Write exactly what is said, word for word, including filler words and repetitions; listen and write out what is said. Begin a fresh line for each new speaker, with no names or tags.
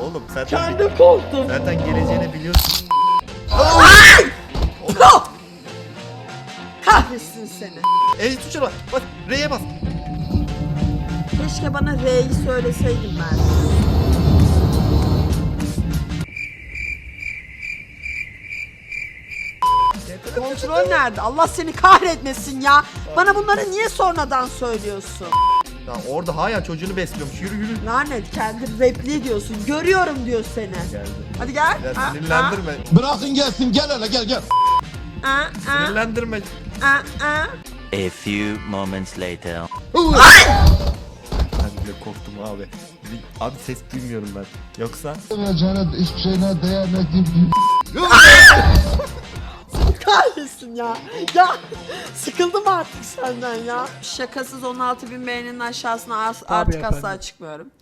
oğlum. Zaten,
Kendim korktum.
zaten geleceğini biliyorsun.
Kahretsin seni.
Ey tuşuna bak. Bak R'ye bas.
Keşke bana R'yi söyleseydin ben. Kontrol nerede? Allah seni kahretmesin ya. Bana bunları niye sonradan söylüyorsun?
Ya orada hala çocuğunu besliyormuş. Yürü yürü.
Lanet, kendi repli diyorsun. Görüyorum diyor seni.
Geldi.
Hadi gel.
Ya
Ha,
sinirlendirme.
Bırakın gelsin, gel hele gel gel.
ha, ha, ha,
Sinirlendirme.
ha, ha.
A few moments later.
Ben bile korktum abi. Abi ses duymuyorum ben. Yoksa...
Vereceğine hiçbir şeyine değmediğim.
Kahretsin ya. Ya sıkıldım artık senden ya. Şakasız on altı bin beğeninin aşağısına as- artık asla çıkmıyorum.